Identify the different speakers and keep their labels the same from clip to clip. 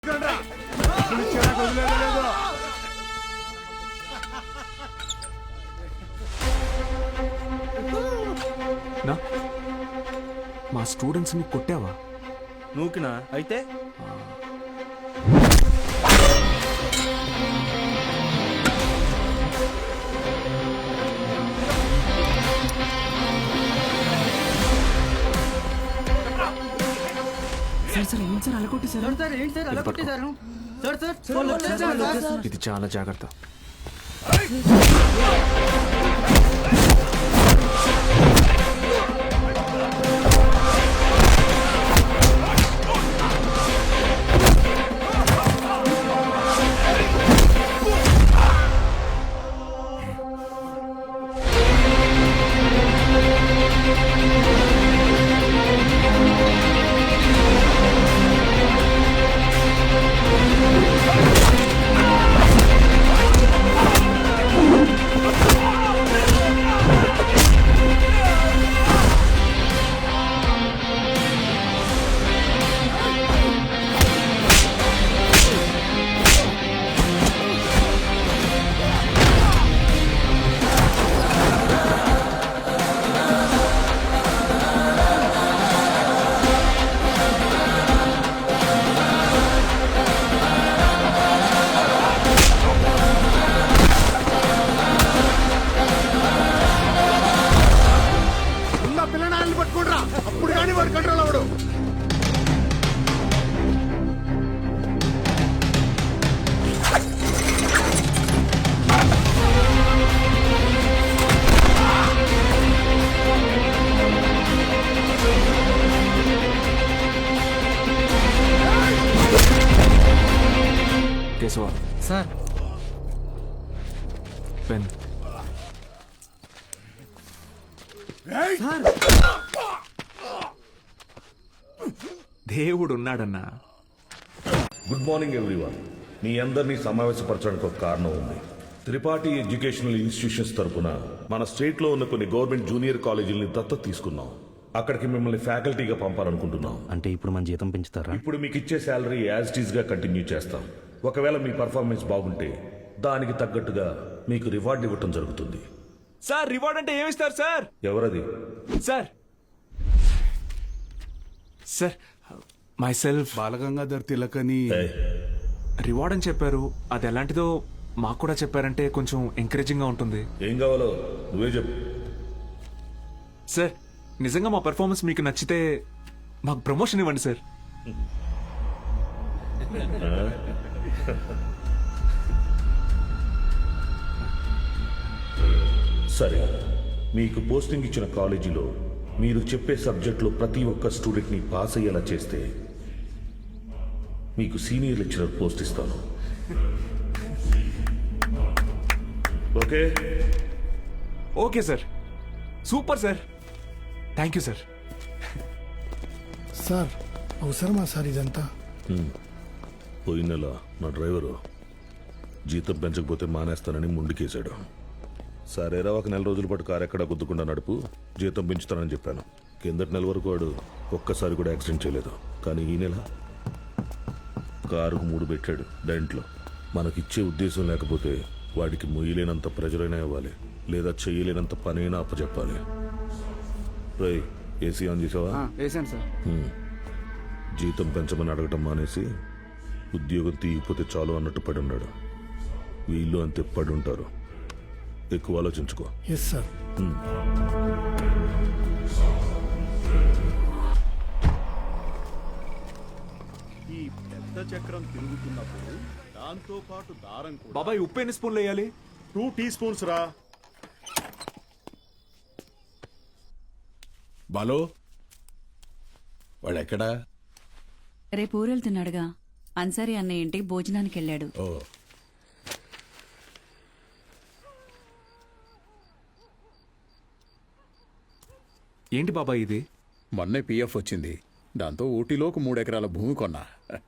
Speaker 1: మా స్టూడెంట్స్ ని కొట్టావా?
Speaker 2: నూకినా అయితే
Speaker 1: ఇది చాలా జాగ్రత్త.
Speaker 3: అప్పుడు కానీ వాడు కంట్రోల్ అవడు.
Speaker 1: Keshava
Speaker 2: sir
Speaker 1: pen. దేవుడు ఉన్నాడన్నా.
Speaker 4: Good morning everyone. మీ అందరినీ సమావేశపరచడానికి ఒక కారణం ఉంది. త్రిపాఠి ఎడ్యుకేషనల్ ఇన్స్టిట్యూషన్స్ తరపున మన స్టేట్ లో ఉన్న కొన్ని గవర్నమెంట్ జూనియర్ కాలేజీలని దత్తత తీసుకున్నాం. అక్కడికి మిమ్మల్ని ఫ్యాకల్టీగా పంపాలనుకుంటున్నాం.
Speaker 2: అంటే ఇప్పుడు మన జీతం పెంచుతారా?
Speaker 4: ఇప్పుడు మీకు ఇచ్చే శాలరీ యాజ్ ఇట్ ఈస్ గా కంటిన్యూ చేస్తాం. ఒకవేళ మీ పర్ఫార్మెన్స్ బాగుంటే దానికి తగ్గట్టుగా మీకు రివార్డ్ ఇవ్వటం జరుగుతుంది.
Speaker 1: సార్ రివార్డ్ అంటే ఏమిస్తారు సార్?
Speaker 4: ఎవరది?
Speaker 1: Sir sir myself
Speaker 3: Balagangadhar Tilak అని
Speaker 1: రివార్డ్ అని చెప్పారు. అది ఎలాంటిదో మాకు కూడా చెప్పారంటే కొంచెం ఎంకరేజింగ్ గా ఉంటుంది.
Speaker 4: ఏం కావాలో నువ్వే చెప్పు.
Speaker 1: సార్ నిజంగా మా పెర్ఫార్మెన్స్ మీకు నచ్చితే మాకు ప్రమోషన్ ఇవ్వండి సార్.
Speaker 4: సరే, మీకు పోస్టింగ్ ఇచ్చిన కాలేజీలో మీరు చెప్పే సబ్జెక్టులో ప్రతి ఒక్క స్టూడెంట్ని పాస్ అయ్యేలా చేస్తే మీకు సీనియర్ లెక్చరర్ పోస్ట్ ఇస్తాను. Okay?
Speaker 1: Okay sir, super sir, thank you sir.
Speaker 5: Sir అవసరమా సార్ ఇదంతా?
Speaker 4: పోయిన నెల నా డ్రైవరు జీతం పెంచకపోతే మానేస్తానని ముందుకేశాడు. సరేరా, ఒక నెల రోజుల పాటు కారు ఎక్కడా గుద్దుకుండా నడుపు, జీతం పెంచుతానని చెప్పాను. కిందటి నెల వరకు వాడు ఒక్కసారి కూడా యాక్సిడెంట్ చేయలేదు. కానీ ఈ నెల కారుకు 3 పెట్టాడు డెంట్లో. మనకిచ్చే ఉద్దేశం లేకపోతే వాడికి మొయ్యలేనంత ప్రెజరైనా ఇవ్వాలి, లేదా చెయ్యలేనంత పనైనా అప్పచెప్పాలి. రై, ఏసీ ఆన్ చేసావా? జీతం పెంచమని అడగటం మానేసి ఉద్యోగం తీయకపోతే చాలు అన్నట్టు పడి ఉన్నాడు. వీళ్ళు అంతే పడి ఉంటారు. ఎక్కువ ఆలోచించుకో.
Speaker 5: Yes sir.
Speaker 3: ఈ పెద్ద చక్రం తిరుగుతున్నప్పుడు దాంతో పాటు దారం కూడా.
Speaker 1: బాబాయ్ ఉప్పు ఎన్ని స్పూన్లు వేయాలి?
Speaker 3: 2 teaspoons రా.
Speaker 6: బాలో వాడెక్కడా?
Speaker 7: రేపు ఊరెళ్తున్నాడుగా. అన్సారీ అన్నయ్య ఇంటికి భోజనానికి వెళ్ళాడు.
Speaker 6: ఓ,
Speaker 1: ఏంటి బాబాయ్ ఇది?
Speaker 6: మొన్నే పిఎఫ్ వచ్చింది. దాంతో ఊటీలోకి 3 ఎకరాల భూమి కొన్నా.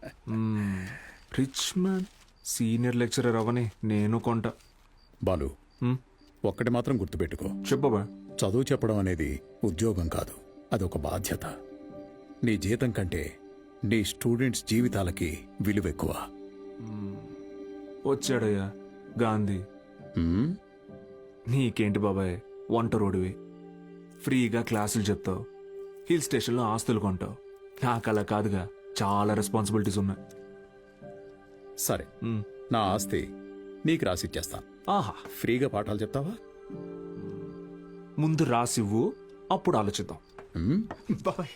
Speaker 1: రిచ్ మ్యాన్ సీనియర్ లెక్చరర్ అవని నేను కొంటా.
Speaker 6: బాలు, ఒక్కటి మాత్రం గుర్తుపెట్టుకో.
Speaker 1: చెప్పు బాబాయ్.
Speaker 6: చదువు చెప్పడం అనేది ఉద్యోగం కాదు, అదొక బాధ్యత. నీ జీతం కంటే నీ స్టూడెంట్స్ జీవితాలకి విలువ ఎక్కువ.
Speaker 1: వచ్చాడయ్యా గాంధీ.
Speaker 6: హ్మ్?
Speaker 1: నీకేంటి బాబాయ్, వంట రోడివి, ఫ్రీగా క్లాసులు చెప్తావు, హిల్ స్టేషన్లో ఆస్తులు కొంటావు. నాకు అలా కాదుగా, చాలా రెస్పాన్సిబిలిటీస్ ఉన్నాయి.
Speaker 6: సరే,
Speaker 1: మ్.
Speaker 6: నా ఆస్తి నీకు రాసిచ్చేస్తాను.
Speaker 1: ఆహా,
Speaker 6: ఫ్రీగా పాఠాలు చెప్తావా?
Speaker 1: ముందు రాసివ్వు, అప్పుడు ఆలోచిద్దాం.
Speaker 6: హ్మ్?
Speaker 1: బాబాయ్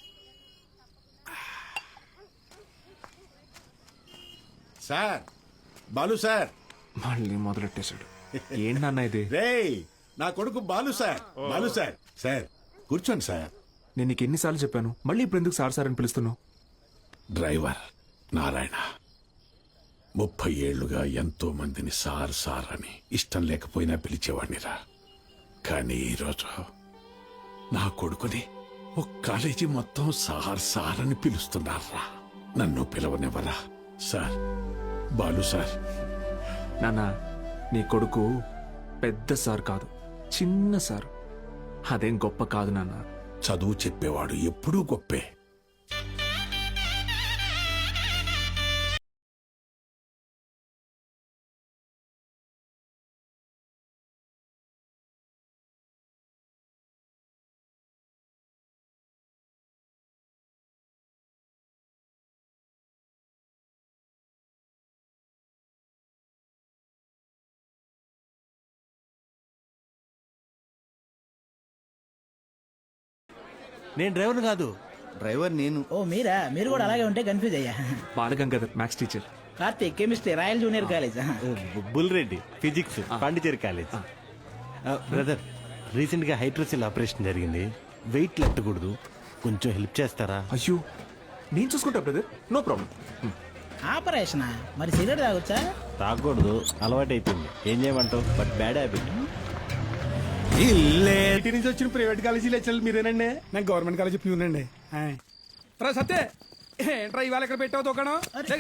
Speaker 3: సార్, బాలు సార్.
Speaker 1: మళ్ళీ మొదలెట్టేశాడు. ఏంటన్న ఇది?
Speaker 3: రేయ్, నా కొడుకు Balu sir. Balu sir. Sir కూర్చోండి సార్.
Speaker 1: నేను నీకు ఎన్నిసార్లు చెప్పాను, మళ్ళీ ఇప్పుడు ఎందుకు సార్ సార్ అని పిలుస్తున్నావు?
Speaker 3: డ్రైవర్ నారాయణ 30 ఏళ్లుగా ఎంతో మందిని సార్ సార్ అని ఇష్టం లేకపోయినా పిలిచేవాడినిరా. కానీ ఈరోజు నా కొడుకుని ఒక కాలేజీ మొత్తం సార్ సార్ అని పిలుస్తున్నారా. నన్ను పిలవనివ్వరా సార్? బాలు సార్.
Speaker 1: నాన్న, నీ కొడుకు పెద్ద సార్ కాదు, చిన్న సార్. అదేం గొప్ప కాదు నాన్న.
Speaker 3: చదువు చెప్పేవాడు ఎప్పుడూ గొప్పే.
Speaker 2: నేను డ్రైవర్ కాదు.
Speaker 8: డ్రైవర్ నేను.
Speaker 9: ఓ మీరా? మీరు కూడా అలాగే ఉంటే కన్ఫ్యూజ్ అయ్యా.
Speaker 1: Balagangadhar maths teacher.
Speaker 9: Karthik chemistry, Royal junior college.
Speaker 2: Bulreddy physics, Pondicherry college. Brother, recent గా హైడ్రోసిల్ ఆపరేషన్ జరిగింది. వెయిట్ లెట్టకూడదు, కొంచెం హెల్ప్ చేస్తారా?
Speaker 1: అయ్యో, నేను చూసుకుంటా బ్రదర్, నో ప్రాబ్లం.
Speaker 9: ఆపరేషనా? మరి సిగరెట్ తాగొచ్చా?
Speaker 2: తాగకూడదు, అలవాటు అయిపోయింది. ఏం చేయమంటావు? But bad habit.
Speaker 5: ఇంటి నుంచి వచ్చిన ప్రైవేట్ కాలేజీ లెక్చర్లు మీరేనండి? నేను గవర్నమెంట్ కాలేజీ ప్యూనండి. సత్య ఏంట్రా ఇవాళ ఇక్కడ పెట్టావు దుకాణం?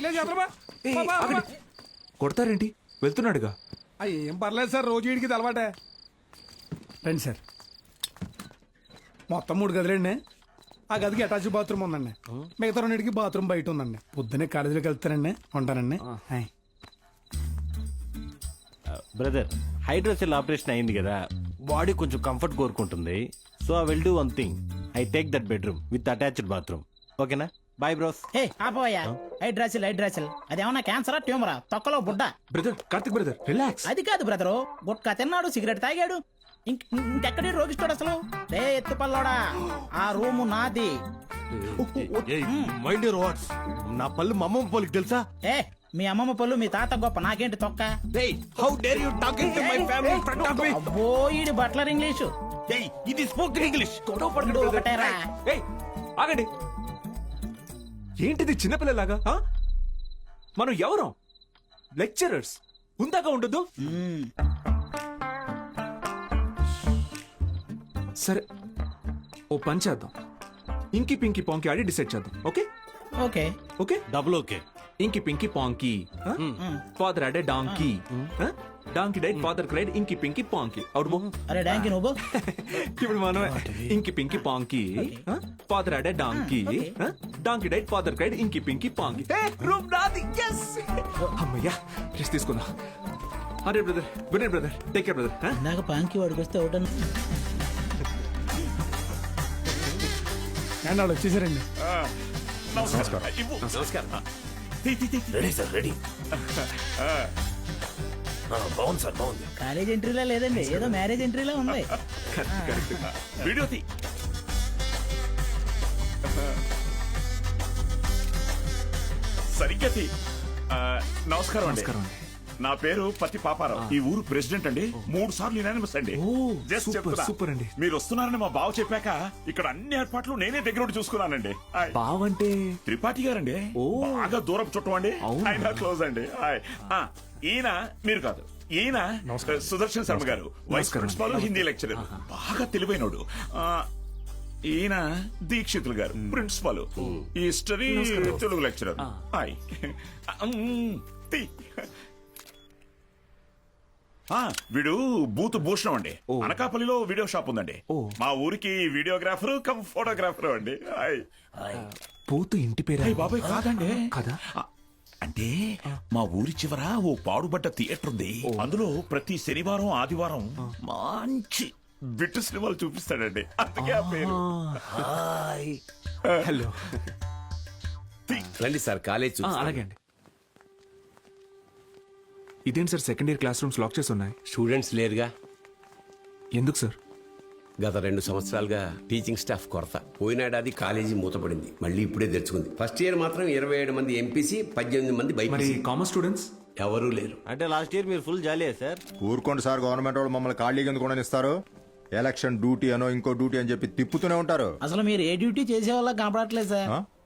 Speaker 1: కొడతారేంటి? వెళ్తున్నాడుగా.
Speaker 5: ఏం పర్లేదు సార్, రోజు వీడికి ఇది అలవాటే. రండి సార్. మొత్తం 3 గదులండి. ఆ గదికి అటాచ్ బాత్రూమ్ ఉందండి. మిగతా 2కి బాత్రూమ్ బయట ఉందండి. పొద్దున్నే కాలేజీలోకి వెళ్తానండి, ఉంటానండి.
Speaker 2: బ్రదర్, హైడ్రోసిల్ ఆపరేషన్ అయింది కదా, బాడీ కొంచెం కంఫర్ట్ కోరుకుంటుంది. So I will do one thing, I take that bedroom with attached bathroom. ఓకేనా? Bye bros.
Speaker 9: హే ఆపోయా, హైడ్రాసిల్ హైడ్రాసిల్ అదేమన్నా క్యాన్సరా, ట్యూమరా, తొక్కలో బుడ్డ?
Speaker 1: Brother, Karthik brother, relax.
Speaker 9: అది కాదు బ్రదరు, గుట్కా తిన్నాడు, సిగరెట్ తాగాడు, ఇంకెక్కడి రోగిస్తాడు అసలు. రే ఎత్తుపల్లోడా, ఆ రూము నాది.
Speaker 2: Mind your words. నా పళ్ళు మా అమ్మమ్మ పోలికి తెలుసా?
Speaker 9: ఏ మీ అమ్మమ్మ పళ్ళు మీ తాత గొప్ప, నాకేంటి తొక్క?
Speaker 2: How dare you talking to my family in front of me?
Speaker 9: అబ్బో ఈడి బట్లర్ ఇంగ్లీషు.
Speaker 2: ఇది స్పోకెన్ ఇంగ్లీష్.
Speaker 9: ఇప్పుడు ఒకటేరా.
Speaker 1: ఏయ్, ఆగండి. ఏంటిది చిన్నపిల్లలాగా? ఆ? మనం ఎవరం? లెక్చరర్స్. ఉందాక ఉండదు. సరే, ఓ పని చేద్దాం. ఇంకి పింకి పాంకి ఆడి డిసైడ్ చేద్దాం. Okay
Speaker 9: okay
Speaker 1: okay.
Speaker 2: Double okay.
Speaker 1: Inky pinky ponky. Father had a donkey. Donkey died, father cried, inky pinky పాంకి. అవును.
Speaker 9: అరే డాంకి నువ్వు.
Speaker 1: ఇప్పుడు మనమే inky pinky ponky. Father had a donkey. Donkey died, father cried, inky pinky ponky. Room నాది. yes. అమ్మయ్యా, rest తీసుకుందాం. అరే brother, good night brother, take care brother.
Speaker 9: ఇందాక పాంకి వాడికి వస్తే ఒకటన్నా.
Speaker 5: అండ్ వాళ్ళు వచ్చేసారండి.
Speaker 4: Ready sir, ready. బాగుంది సార్, బాగుంది.
Speaker 9: కాలేజ్ ఎంట్రీలా లేదండి, ఏదో మ్యారేజ్ ఎంట్రీలా ఉంది.
Speaker 4: వీడియో తీ.
Speaker 10: సరిగ్గా తీ. నమస్కారం అండి.
Speaker 1: నమస్కారం అండి.
Speaker 10: నా పేరు పత్తి పాపారావు. ఈ ఊరు ప్రెసిడెంట్ అండి. 3 సార్లు యునానిమస్ అండి. Just
Speaker 1: సూపర్
Speaker 10: చెప్తున్నా.
Speaker 1: సూపర్ అండి.
Speaker 10: మీరు వస్తున్నారని మా బావ చెప్పాక ఇక్కడ అన్ని ఏర్పాట్లు నేనే దగ్గర ఉండి చూసుకున్నానండి. హాయ్.
Speaker 1: బావంటే
Speaker 10: త్రిపాఠి గారండి.
Speaker 1: ఓ.
Speaker 10: బాగా దూరపు చుట్టం అండి.
Speaker 1: అవునా?
Speaker 10: ఆయన క్లోజ్ అండి. హాయ్. ఈయన మీరు కాదు, ఈయన సుదర్శన్ శర్మ గారు, వైస్
Speaker 1: నమస్కారం.
Speaker 10: ప్రిన్సిపాల్, హిందీ లెక్చరర్, బాగా తెలివైనోడు. ఈయన Dikshitulu garu, principal, history, Telugu lecturer. Hi. తీ. వీడు బూత్ భూషణం అండి. అనకాపల్లిలో వీడియో షాప్ ఉందండి. మా ఊరికి వీడియోగ్రాఫర్ కమ్ ఫోటోగ్రాఫర్ అండి. హాయ్.
Speaker 1: పోతూ ఇంటి పేరు
Speaker 10: అయ్య బాబాయ్ కాదండి
Speaker 1: కదా
Speaker 10: ఆ, అంటే మా ఊరి చివర ఓ పాడుబడ్డ థియేటర్ ఉంది అందులో ప్రతి శనివారం ఆదివారం మంచి బిట్టు సినిమాలు చూపిస్తాడండి అందుకే ఆ పేరు
Speaker 1: హలో
Speaker 8: రండి సార్ కాలేజ్
Speaker 1: అలాగే అండి. ఇదేంటి sir second year class rooms lock చేసి ఉన్నాయి?
Speaker 8: స్టూడెంట్స్ లేరుగా.
Speaker 1: ఎందుకు సార్?
Speaker 8: గత 2 సంవత్సరాలుగా టీచింగ్ స్టాఫ్ కొరత. పోయినేడాది కాలేజీ మూతపడింది, మళ్ళీ ఇప్పుడే తెరుచుకుంది. ఫస్ట్ ఇయర్ మాత్రం 27 మంది ఎంపీసీ, 18 మంది
Speaker 1: మరి
Speaker 8: బైపీసీ.
Speaker 1: కామర్స్ స్టూడెంట్స్
Speaker 8: ఎవరూ లేరు.
Speaker 2: అంటే లాస్ట్ ఇయర్ మీరు ఫుల్ జాలీయా సార్?
Speaker 11: ఊరుకోండి సార్, గవర్నమెంట్ వాళ్ళు మమ్మల్ని ఖాళీగా ఎందుకు ఇస్తారు? ఎలక్షన్ డ్యూటీ అనో ఇంకో డ్యూటీ అని చెప్పి తిప్పుతూనే ఉంటారు.
Speaker 9: అసలు మీరు ఏ డ్యూటీ చేసే వాళ్ళ కనపడట్లేదు సార్.